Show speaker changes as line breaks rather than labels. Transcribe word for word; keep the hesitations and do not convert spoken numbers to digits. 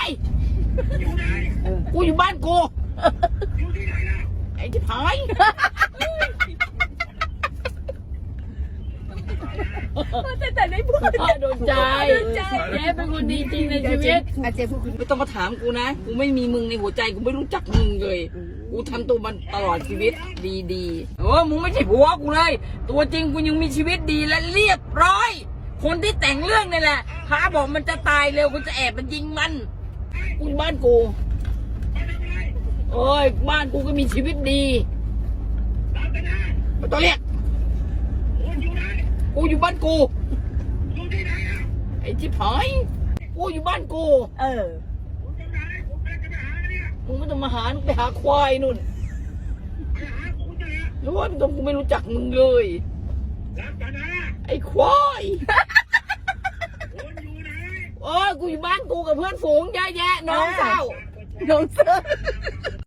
อยู่ไหน
กูอยู่บ้านกู
อยู่ที่ไหนล่ะ
ไอ้ที่พาย
แต่แต่ได้พูด
โดนใจแย่เป็นคนดีจริงในชีวิต
อาเจพูดคุณ
ไม่ต้องมาถามกูนะ กูไม่มีมึงในหัวใจ กูไม่รู้จักมึงเลย กูทำตัวมันตลอดชีวิตดีๆโอ้มึงไม่ใช่ผัวกูเลย ตัวจริงกูยังมีชีวิตดีและเรียบร้อย คนที่แต่งเรื่องนี่แหละพาบอกมันจะตายเร็วกูจะแอบมันยิงมัน กูอยู่บ้านกู
มาทำอะไร
โอ้ยบ้านกูก็มีชีวิตดี
ตามกันนะ
ไม่ต้องเรียก
คุณอยู่ไหน
กูอยู่บ้านกู
อยู่ที่ไหนอ่ะ
ไอ้ที่พายกูอยู่บ้านกู
เออ
คุณจะไหนผมกำลังจะไปหาเนี่ย
มึงไม่ต้องมาหามึงไปหาควายนู่น
ไปหาคุณเนี่ย
รู้ว่ากูไม่รู้จักมึงเลย
รับกันนะ
ไอ้ควาย
คุณอยู่ไหน
โอ้ยกูอยู่บ้านกูกับเพื่อนฝูงเยอะแยะน้องเศร้า
น้องเสื้อ